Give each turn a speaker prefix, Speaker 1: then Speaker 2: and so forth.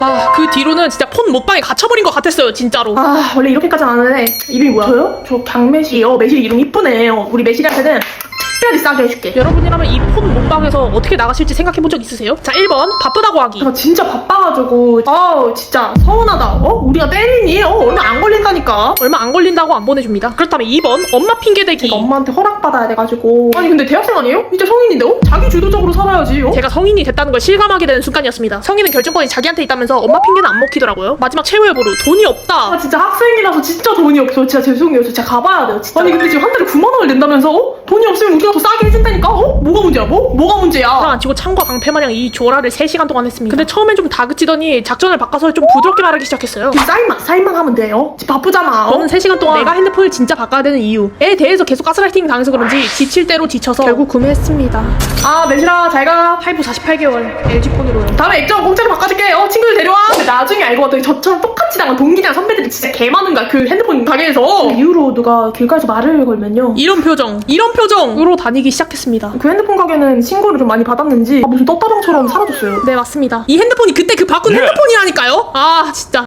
Speaker 1: 아, 그 뒤로는 진짜 폰 못방에 갇혀버린 것 같았어요, 진짜로.
Speaker 2: 아, 원래 이렇게까지는 안 하는데 이름이 뭐야? 저요? 저 강매실이요. 매실 이름 이쁘네요. 우리 매실이한테는 특별히 싸게 해줄게.
Speaker 1: 여러분이라면 이 폰 못방에서 어떻게 나가실지 생각해본 적 있으세요? 자, 1번 바쁘다고 하기.
Speaker 2: 제가 진짜 바빠가지고 진짜 서운하다. 우리가 때리니? 얼마 안 걸린다니까.
Speaker 1: 얼마 안 걸린다고 안 보내줍니다. 그렇다면 2번 엄마 핑계대기.
Speaker 2: 제가 엄마한테 허락받아야 돼가지고. 아니 근데 대학생 아니에요? 이제 성인인데 자기 주도적으로 살아야지.
Speaker 1: 제가 성인이 됐다는 걸 실감하게 되는 순간이었습니다. 성인은 결정권이 자기한테 있다면서 엄마 핑계는 안 먹히더라고요. 마지막 최후의 보루, 돈이 없다.
Speaker 2: 진짜 학생이라서 진짜 돈이 없어. 진짜 죄송해요. 저 진짜 가봐야 돼요. 진짜. 아니 근데 지금 한 달에 9만 원을 낸다면서? 돈이 없으면 우리가 더 싸게 해준다니까? 뭐가 문제야? 뭐가 문제야?
Speaker 1: 안 치고 창과 방패마냥 이 조라를 3시간 동안 했습니다. 근데 처음엔 좀 다그치더니 작전을 바꿔서 좀 부드럽게 말하기 시작했어요.
Speaker 2: 사인만 하면 돼요. 지금 바쁘잖아.
Speaker 1: 저는 3시간 동안 내가 핸드폰을 진짜 바꿔야 되는 이유에 대해서 계속 가스라이팅 당해서 그런지 지칠 대로 지쳐서 결국 구매했습니다.
Speaker 2: 매실아 잘가.
Speaker 1: 할부 48개월 LG폰으로요.
Speaker 2: 다음에 액정 공짜로 바꿔줄게. 친구들 데려와. 근데 나중에 알고 봤더니 저처럼 똑같이 당한 동기랑 선배들이 진짜 개 많은 거야. 그 핸드폰 가게에서. 그 이후로 누가 길가에서 말을 걸면요.
Speaker 1: 이런 표정으로 다니기 시작했습니다.
Speaker 2: 그 핸드폰 가게는 신고를 좀 많이 받았는지 무슨 떴다방처럼 사라졌어요.
Speaker 1: 네, 맞습니다. 이 핸드폰이 그때 그 바꾼 핸드폰이라니까요? 아, 진짜.